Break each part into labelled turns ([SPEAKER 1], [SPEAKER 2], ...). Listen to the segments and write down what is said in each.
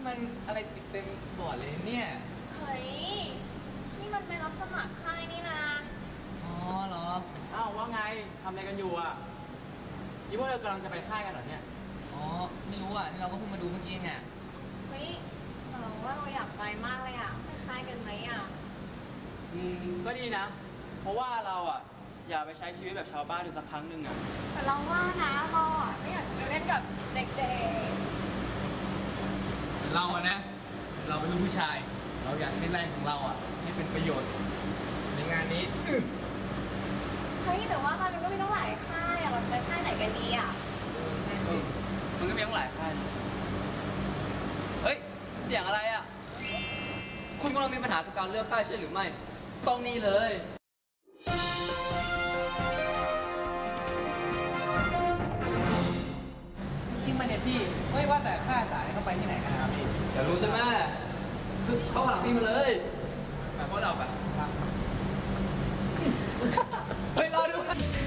[SPEAKER 1] มันอะไรติดเต็มบอร์ดเลยเนี่ย
[SPEAKER 2] เฮ้ยนี่มันเป็นรับสมัครค่ายนี่นะ
[SPEAKER 1] อ๋อเหรออ้าวว่าไงทำอะไรกันอยู่อ่ะนี่พวกเรากำลังจะไปค่ายกันเหรอเนี่ยอ๋อไม่รู้อ่ะนี่เราก็เพิ่งมาดูเมื่อกี้ไง
[SPEAKER 2] เฮ้ยเราว่าเราอยากไปมากเลยอ่ะไปค่ายกันไหมอ่ะ
[SPEAKER 3] ก็ดีนะเพราะว่าเราอ่ะอยากไปใช้ชีวิตแบบชาวบ้านดูสักครั้งหนึ่งอ่ะ
[SPEAKER 2] แต่เราว่านะเราอ่ะไม่อยากไปเล่นกับเด็ก
[SPEAKER 1] เราอะนะเราเป็นลูกผู้ชายเราอยากใช้แรงของเราอ่ะให้เป็นประโยชน์ในงานนี้
[SPEAKER 2] เฮ้ยแต่ว่ามันก็มีต้องหลายค่ายอ่ะเราจะไปค่ายไหนกันดีอ่ะ
[SPEAKER 1] ใช่สิ
[SPEAKER 3] มันก็มีตั้งหลายค่ายเฮ้ยเสียงอะไรอ่ะคุณกำลังมีปัญหากับการเลือกค่ายใช่หรือไม่ต้องนี่เลย
[SPEAKER 1] จริงมาเนี่ยพี่ไม่ว่าแต่ค่ายอาสาเนี่ยเขาไปที่ไหนกันนะครับพี่
[SPEAKER 3] อยากรู้ใช่ไหมคือเข้าหลังพี่มาเลยแบบพวกเราแบบเฮ้ยรอดู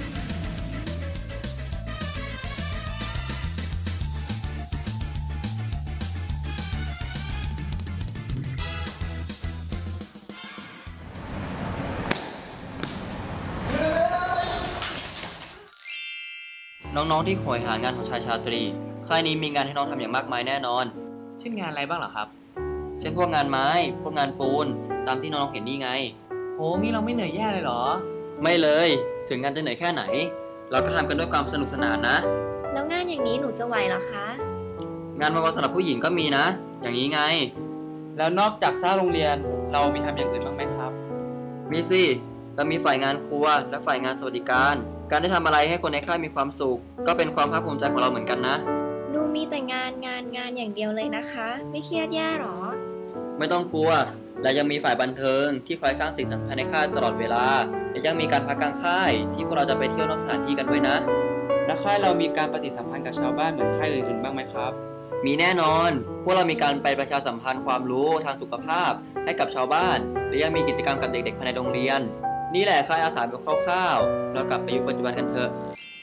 [SPEAKER 3] น้องๆที่โหยหางานของชายชาตรีค่ายนี้มีงานให้น้องทำอย่างมากมายแน่นอน
[SPEAKER 1] เช่นงานอะไรบ้างเหรอครับ
[SPEAKER 3] เช่นพวกงานไม้พวกงานปูนตามที่น้องๆเห็นนี่ไง
[SPEAKER 1] โอ้งี้เราไม่เหนื่อยแย่เลยเหรอ
[SPEAKER 3] ไม่เลยถึงงานจะเหนื่อยแค่ไหนเราก็ทำกันด้วยความสนุกสนานนะ
[SPEAKER 2] แล้วงานอย่างนี้หนูจะไหวเหรอคะ
[SPEAKER 3] งานวันสำหรับผู้หญิงก็มีนะอย่างนี้ไง
[SPEAKER 1] แล้วนอกจากสร้างโรงเรียนเรามีทำอย่างอื่นบ้างไหมครับ
[SPEAKER 3] มีสิเรามีฝ่ายงานครัวและฝ่ายงานสวัสดิการได้ทำอะไรให้คนในค่ายมีความสุขก็เป็นความภาคภูมิใจของเราเหมือนกันนะ
[SPEAKER 2] ดูมีแต่งานอย่างเดียวเลยนะคะไม่เครียดแย่หรอ
[SPEAKER 3] ไม่ต้องกลัวและยังมีฝ่ายบันเทิงที่คอยสร้างสีสันภายในค่ายตลอดเวลาและยังมีการพักกลางค่ายที่พวกเราจะไปเที่ยวนอกสถานที่กันด้วยนะ
[SPEAKER 1] และค่ายเรามีการปฏิสัมพันธ์กับชาวบ้านเหมือนค่ายอื่นๆบ้างไหมครับ
[SPEAKER 3] มีแน่นอนพวกเรามีการไปประชาสัมพันธ์ความรู้ทางสุขภาพให้กับชาวบ้านและยังมีกิจกรรมกับเด็กๆภายในโรงเรียนนี่แหละค่ายอาสาแบบคร่าวๆเรากลับไปยุคปัจจุบันกันเถอะ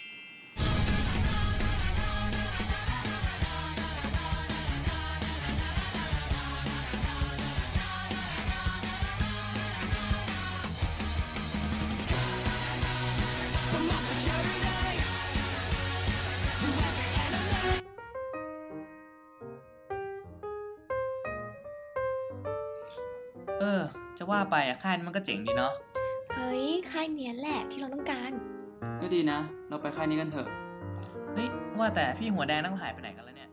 [SPEAKER 1] จะว่าไปอะค่ายมันก็เจ๋งดีเนาะ
[SPEAKER 2] เฮ้ยค่ายเนี้ยแหละที่เราต้องการ
[SPEAKER 3] ก็ดีนะเราไปค่ายนี้กันเถอะ
[SPEAKER 1] เฮ้ยว่าแต่พี่หัวแดงนั่งหายไปไหนกันแล้วเนี่ย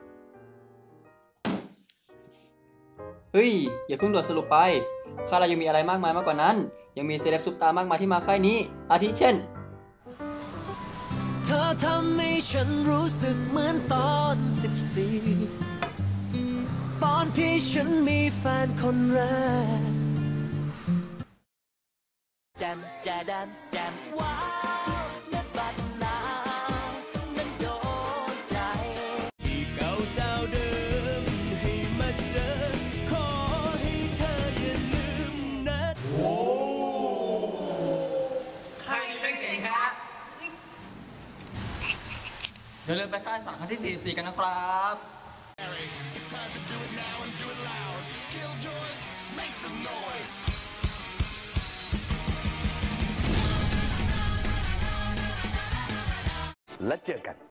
[SPEAKER 3] เฮ้ยอย่าเพิ่งด่วนสรุปไปค่ายเรายังมีอะไรมากมายมากกว่านั้นยังมีเซเลบซุปตามากมายที่มาค่ายนี้อาทิเช่น
[SPEAKER 4] เธอทำให้ฉันรู้สึกเหมือนตอน14ตอนที่ฉันมีแฟนคนแรกแจมแจดันแจมว้าวนัดบัดนาวนั้นโดนใจที่เก่าเจ้าเดิมให้มาเจอขอให้เธออย่าลืมนะโอ้
[SPEAKER 3] ค่ายนี้เป็นเก่งครับอย่าลืมไปค่ายสาขาที่44กันนะครับ
[SPEAKER 5] แล้วเจอกัน